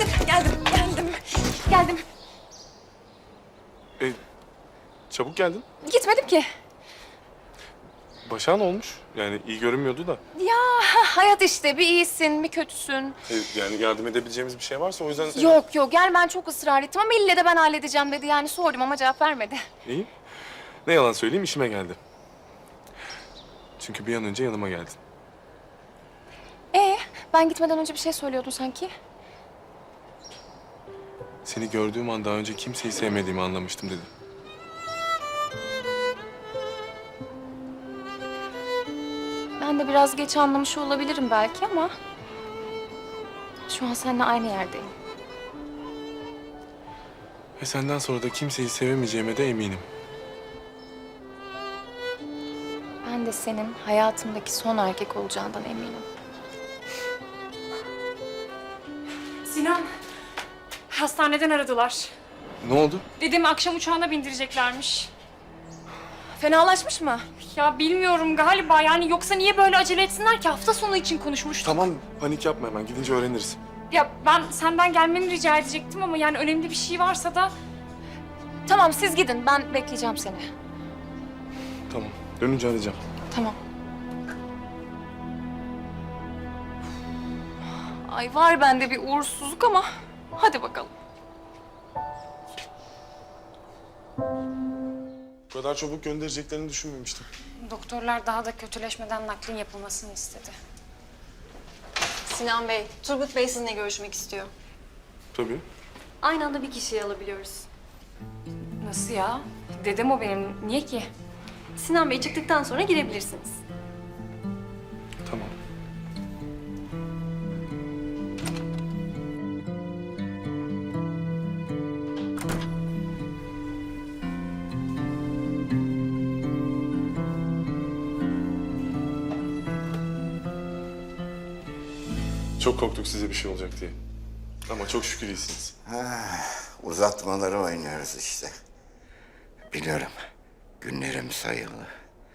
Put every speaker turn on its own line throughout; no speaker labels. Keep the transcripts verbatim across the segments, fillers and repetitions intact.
geldim, geldim, geldim. Geldim.
E, çabuk geldin.
Gitmedim ki.
Başağın olmuş. Yani iyi görünmüyordu da.
Ya hayat işte. Bir iyisin, bir kötüsün.
E, yani yardım edebileceğimiz bir şey varsa o yüzden... seni-
Yok yok, gel ben çok ısrar ettim ama ille de ben halledeceğim dedi. Yani sordum ama cevap vermedi.
İyi. Ne yalan söyleyeyim, işime geldi. Çünkü bir an önce yanıma geldin.
Ee, ben gitmeden önce bir şey söylüyordun sanki.
Seni gördüğüm an daha önce kimseyi sevmediğimi anlamıştım dedim.
Ben de biraz geç anlamış olabilirim belki ama... şu an seninle aynı yerdeyim.
Ve senden sonra da kimseyi sevemeyeceğime de eminim.
Ben de senin hayatımdaki son erkek olacağından eminim.
Sinan, hastaneden aradılar.
Ne oldu?
Dedemi akşam uçağına bindireceklermiş.
Fenalaşmış mı?
Ya bilmiyorum galiba yani yoksa niye böyle acele etsinler ki? Hafta sonu için konuşmuştuk.
Tamam, panik yapma hemen. Gidince öğreniriz.
Ya ben senden gelmeni rica edecektim ama yani önemli bir şey varsa da...
Tamam siz gidin, ben bekleyeceğim seni.
Tamam, dönünce arayacağım.
Tamam. Ay var bende bir uğursuzluk ama hadi bakalım.
Bu kadar çabuk göndereceklerini düşünmemiştim.
Doktorlar daha da kötüleşmeden naklin yapılmasını istedi.
Sinan Bey, Turgut Bey sizinle görüşmek istiyor.
Tabii.
Aynı anda bir kişiyi alabiliyoruz.
Nasıl ya? Dedem o benim. Niye ki?
Sinan Bey çıktıktan sonra girebilirsiniz.
Tamam. Çok korktuk size bir şey olacak diye. Ama çok şükür iyisiniz.
Uzatmaları oynuyoruz işte. Biliyorum. Günlerim sayılı.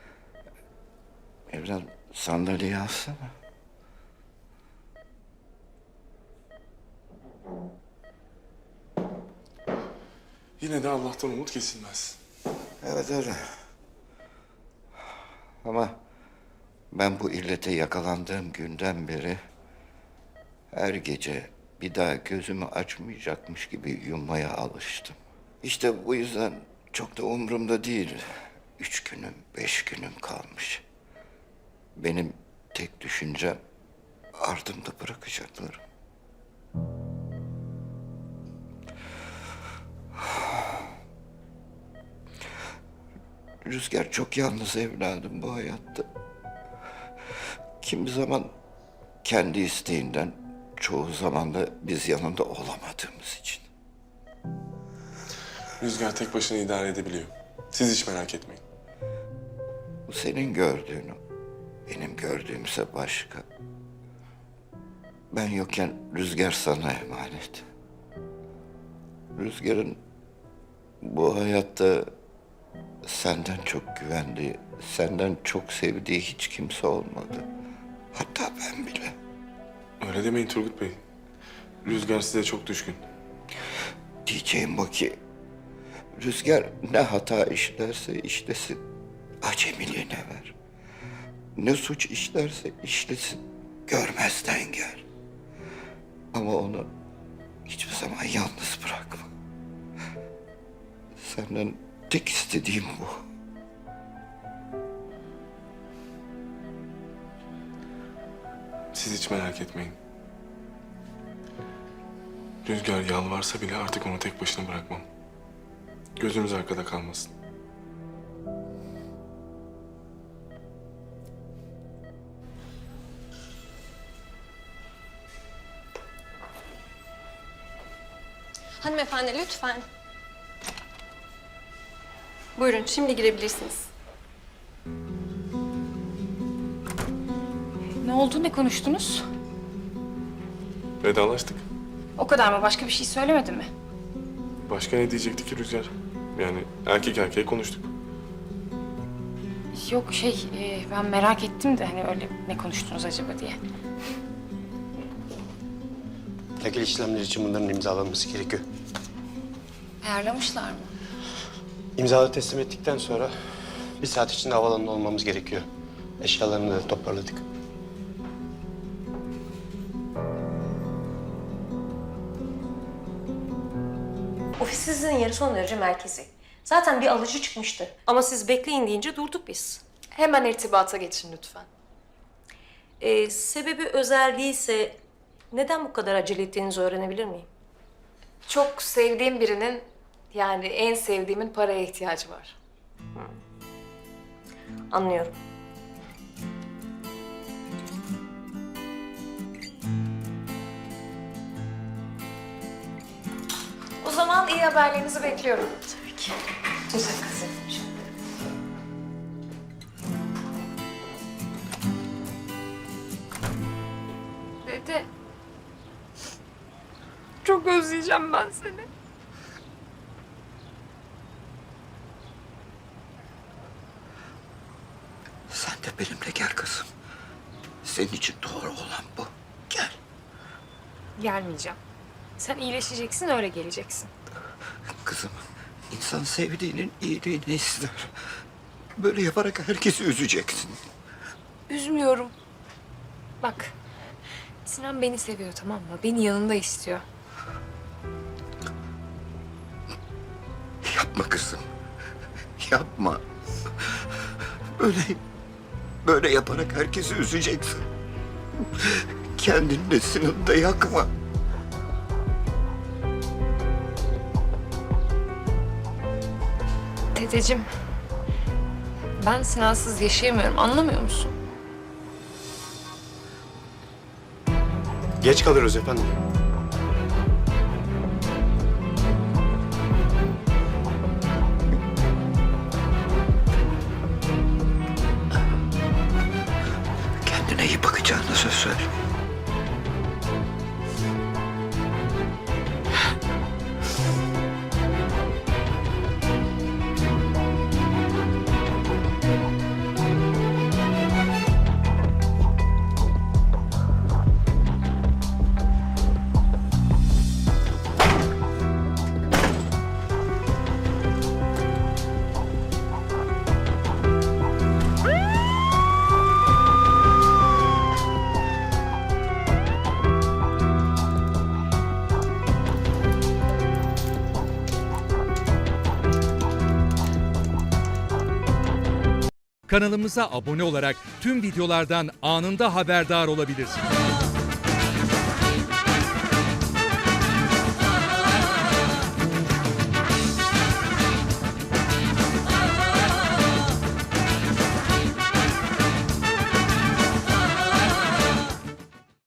Evren sandalyeyi alsana.
Yine de Allah'tan umut kesilmez.
Evet öyle. Ama ben bu illete yakalandığım günden beri her gece bir daha gözümü açmayacakmış gibi yummaya alıştım. İşte bu yüzden çok da umurumda değil. Üç günüm, beş günüm kalmış. Benim tek düşüncem ardımda bırakacaklarım. Rüzgar çok yalnız evladım bu hayatta. Kimi zaman kendi isteğinden, çoğu zaman da biz yanında olamadığımız için.
Rüzgar tek başına idare edebiliyor. Siz hiç merak etmeyin.
Bu senin gördüğünü, benim gördüğümse başka. Ben yokken Rüzgar sana emanet. Rüzgar'ın bu hayatta senden çok güvendiği, senden çok sevdiği hiç kimse olmadı. Hatta ben bile.
Öyle demeyin Turgut Bey. Rüzgar size çok düşkün.
Diyeceğim bu ki, Rüzgar ne hata işlerse işlesin, acemiliğine ver. Ne suç işlerse işlesin, görmezden gel. Ama onu hiçbir zaman yalnız bırakma. Senden tek istediğim bu.
Siz hiç merak etmeyin. Rüzgar yalvarsa bile artık onu tek başına bırakmam. Gözünüz arkada kalmasın.
Hanımefendi lütfen. Buyurun, şimdi girebilirsiniz.
Ne oldu? Ne konuştunuz?
Vedalaştık.
O kadar mı? Başka bir şey söylemedi mi?
Başka ne diyecekti ki Rüzgar? Yani erkek erkeğe konuştuk.
Yok şey, e, ben merak ettim de hani öyle ne konuştunuz acaba diye.
Nakil işlemleri için bunların imzalanması gerekiyor.
Ayarlamışlar mı?
İmzaları teslim ettikten sonra bir saat içinde havaalanında olmamız gerekiyor. Eşyalarını da toparladık.
Ofisinizin yeri son derece merkezi. Zaten bir alıcı çıkmıştı. Ama siz bekleyin deyince durduk biz.
Hemen irtibata geçin lütfen.
Ee, sebebi özel değilse neden bu kadar acele ettiğinizi öğrenebilir miyim?
Çok sevdiğim birinin, yani en sevdiğimin paraya ihtiyacı var.
Anlıyorum.
O zaman iyi haberlerinizi bekliyorum.
Tabii ki. Güzel kızım.
Dede. Çok özleyeceğim ben seni.
Sen de benimle gel kızım. Senin için doğru olan bu. Gel.
Gelmeyeceğim. Sen iyileşeceksin, öyle geleceksin.
Kızım, insan sevdiğinin iyiliğini ister. Böyle yaparak herkesi üzeceksin.
Üzmüyorum. Bak, Sinan beni seviyor, tamam mı? Beni yanında istiyor.
Yapma kızım. Yapma. Böyle, böyle yaparak herkesi üzeceksin. Kendini de Sinan'ı da yakma.
Dedeciğim, ben Sinansız yaşayamıyorum, anlamıyor musun?
Geç kalırız efendim.
Kendine iyi bakacağına söz ver.
Kanalımıza abone olarak tüm videolardan anında haberdar olabilirsiniz.